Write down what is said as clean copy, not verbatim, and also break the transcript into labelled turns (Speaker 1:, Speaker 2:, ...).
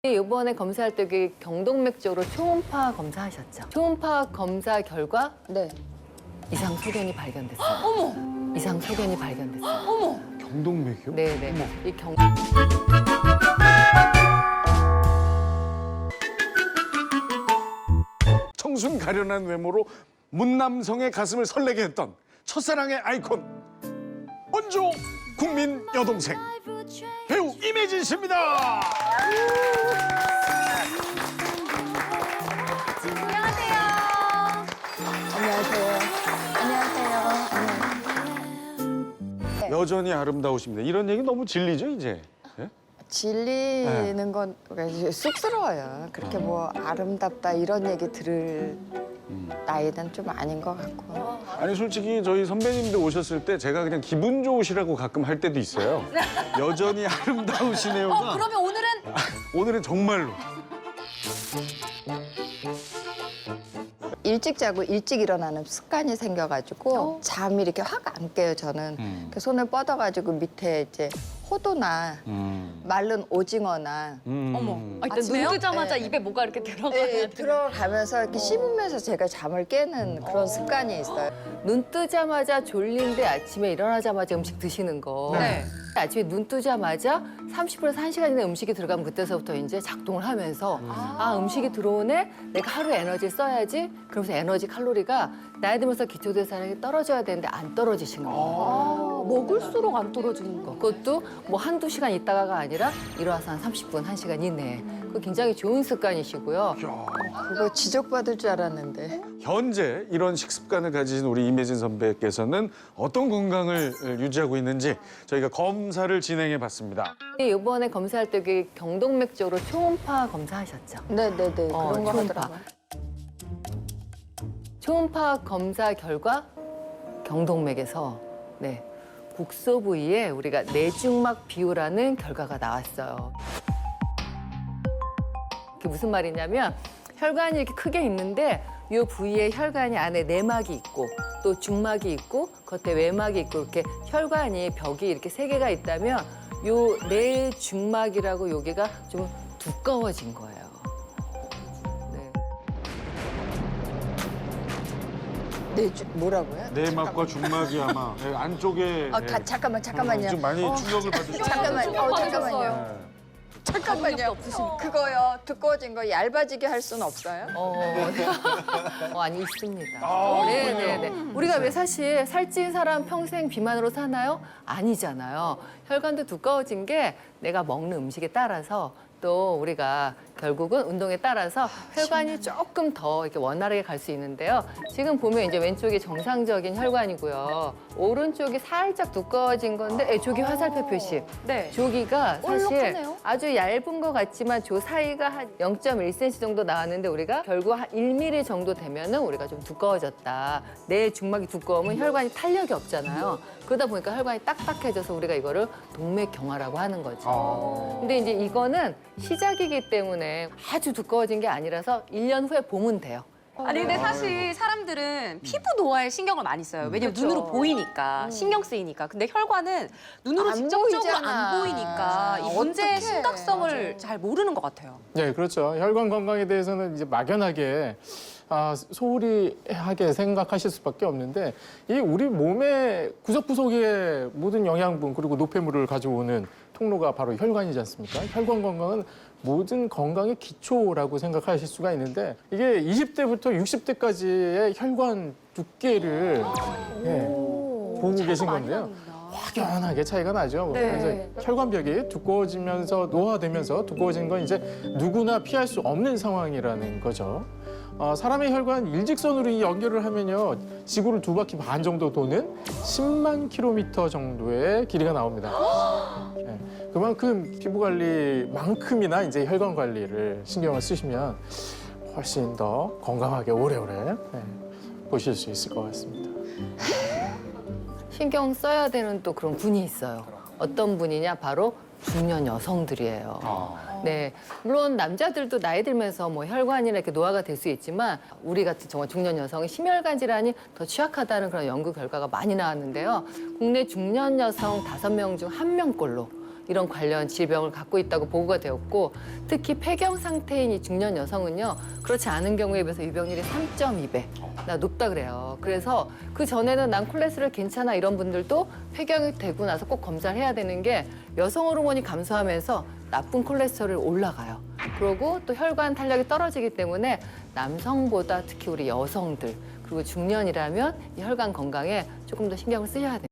Speaker 1: 이번에 검사할 때 경동맥 쪽으로 초음파 검사하셨죠? 초음파 검사 결과
Speaker 2: 네.
Speaker 1: 이상 소견이 발견됐어요. 어머! 이상 소견이 발견됐어요.
Speaker 2: 어머!
Speaker 3: 경동맥이요?
Speaker 1: 네네.
Speaker 3: 어머.
Speaker 1: 이 경...
Speaker 3: 청순 가련한 외모로 문남성의 가슴을 설레게 했던 첫사랑의 아이콘 원조 국민 여동생 배우 임혜진 씨입니다.
Speaker 2: 안녕하세요. 안녕하세요.
Speaker 3: 여전히 아름다우십니다. 이런 얘기 너무 질리죠 이제? 예?
Speaker 2: 질리는 건 이제 쑥스러워요. 그렇게 뭐 아름답다 이런 얘기 들을 나이는 좀 아닌 것 같고.
Speaker 3: 아니 솔직히 저희 선배님들 오셨을 때 제가 그냥 기분 좋으시라고 가끔 할 때도 있어요. 여전히 아름다우시네요가
Speaker 4: 그러면 오늘은
Speaker 3: 오늘은 정말로.
Speaker 2: 일찍 자고 일찍 일어나는 습관이 생겨가지고 잠이 이렇게 확 안 깨요, 저는. 그 손을 뻗어가지고 밑에 이제 호두나 마른 오징어나
Speaker 4: 어머. 일단
Speaker 2: 아침에요?
Speaker 4: 눈 뜨자마자
Speaker 2: 네.
Speaker 4: 입에 뭐가 이렇게 들어가야
Speaker 2: 네,
Speaker 4: 돼.
Speaker 2: 들어가면서 이렇게 씹으면서 제가 잠을 깨는 그런 습관이 있어요.
Speaker 1: 눈 뜨자마자 졸린데 아침에 일어나자마자 음식 드시는 거.
Speaker 4: 네.
Speaker 1: 아침에 눈 뜨자마자 30분에서 1시간 이내 음식이 들어가면 그때서부터 이제 작동을 하면서 음식이 들어오네? 내가 하루 에너지를 써야지. 그러면서 에너지 칼로리가 나이 들면서 기초대사량이 떨어져야 되는데 안 떨어지시는 거예요.
Speaker 4: 먹을수록 안 떨어지는 거.
Speaker 1: 그것도 뭐 한두 시간 있다가가 아니라 일어나서 한 30분, 1시간 이내에. 그거 굉장히 좋은 습관이시고요.
Speaker 2: 그거 지적받을 줄 알았는데.
Speaker 3: 현재 이런 식습관을 가지신 우리 임혜진 선배께서는 어떤 건강을 유지하고 있는지 저희가 검사를 진행해 봤습니다.
Speaker 1: 이번에 검사할 때 경동맥 쪽으로 초음파 검사하셨죠?
Speaker 2: 네네네, 그런 거
Speaker 1: 초음파.
Speaker 2: 하더라고요.
Speaker 1: 초음파 검사 결과 경동맥에서 국소 부위에 우리가 내중막 비우라는 결과가 나왔어요. 그게 무슨 말이냐면 혈관이 이렇게 크게 있는데 이 부위에 혈관이 안에 내막이 있고 또 중막이 있고 겉에 외막이 있고 이렇게 혈관이 벽이 이렇게 세 개가 있다면 요 내중막이라고 여기가 좀 두꺼워진 거예요.
Speaker 2: 뭐라고요?
Speaker 3: 내막과 중막이 아마 안쪽에
Speaker 2: 잠깐만요.
Speaker 3: 좀 많이 충격을 받으셨어요.
Speaker 2: 잠깐만요. 잠깐만요.
Speaker 4: 없으신
Speaker 2: 그거요. 두꺼워진 거 얇아지게 할 수는 없어요?
Speaker 1: 아니 있습니다.
Speaker 3: 아,
Speaker 1: 네네네. 우리가 왜 사실 살찐 사람 평생 비만으로 사나요? 아니잖아요. 혈관도 두꺼워진 게 내가 먹는 음식에 따라서 또 우리가 결국은 운동에 따라서 혈관이 조금 더 이렇게 원활하게 갈 수 있는데요. 지금 보면 이제 왼쪽이 정상적인 혈관이고요. 오른쪽이 살짝 두꺼워진 건데 저기 화살표 표시.
Speaker 4: 네.
Speaker 1: 저기가 사실
Speaker 4: 올록하네요.
Speaker 1: 아주 얇은 것 같지만 저 사이가 한 0.1cm 정도 나왔는데 우리가 결국 한 1mm 정도 되면은 우리가 좀 두꺼워졌다. 내 중막이 두꺼우면 혈관이 탄력이 없잖아요. 그러다 보니까 혈관이 딱딱해져서 우리가 이거를 동맥경화라고 하는 거죠. 근데 이제 이거는 시작이기 때문에 아주 두꺼워진 게 아니라서 1년 후에 보면 돼요.
Speaker 4: 아니 근데 사실 사람들은 피부 노화에 신경을 많이 써요. 왜냐면 눈으로 보이니까 신경 쓰이니까. 근데 혈관은 눈으로
Speaker 2: 안
Speaker 4: 직접적으로
Speaker 2: 보이잖아.
Speaker 4: 안 보이니까 이 문제의
Speaker 2: 어떡해.
Speaker 4: 심각성을 잘 모르는 것 같아요.
Speaker 5: 네, 그렇죠. 혈관 건강에 대해서는 이제 막연하게 소홀히 하게 생각하실 수밖에 없는데 이 우리 몸의 구석구석의 모든 영양분 그리고 노폐물을 가져오는 통로가 바로 혈관이지 않습니까? 혈관 건강은 모든 건강의 기초라고 생각하실 수가 있는데 이게 20대부터 60대까지의 혈관 두께를 보고 계신 건데요. 확연하게 차이가 나죠.
Speaker 4: 네.
Speaker 5: 그래서 혈관벽이 두꺼워지면서 노화되면서 두꺼워진 건 이제 누구나 피할 수 없는 상황이라는 거죠. 사람의 혈관 일직선으로 연결을 하면요. 지구를 2바퀴 반 정도 도는 10만 킬로미터 정도의 길이가 나옵니다. 네. 그만큼 피부 관리만큼이나 이제 혈관 관리를 신경을 쓰시면 훨씬 더 건강하게 오래오래 보실 수 있을 것 같습니다.
Speaker 1: 신경 써야 되는 또 그런 분이 있어요. 어떤 분이냐 바로 중년 여성들이에요. 네, 물론 남자들도 나이 들면서 뭐 혈관이나 이렇게 노화가 될 수 있지만 우리 같은 정말 중년 여성은 심혈관 질환이 더 취약하다는 그런 연구 결과가 많이 나왔는데요. 국내 중년 여성 5명 중 1명꼴로 이런 관련 질병을 갖고 있다고 보고가 되었고 특히 폐경 상태인 이 중년 여성은요 그렇지 않은 경우에 비해서 유병률이 3.2배 나 높다 그래요. 그래서 그 전에는 난 콜레스테롤 괜찮아 이런 분들도 폐경이 되고 나서 꼭 검사를 해야 되는 게 여성 호르몬이 감소하면서 나쁜 콜레스테롤이 올라가요. 그리고 또 혈관 탄력이 떨어지기 때문에 남성보다 특히 우리 여성들 그리고 중년이라면 이 혈관 건강에 조금 더 신경을 쓰셔야 됩니다.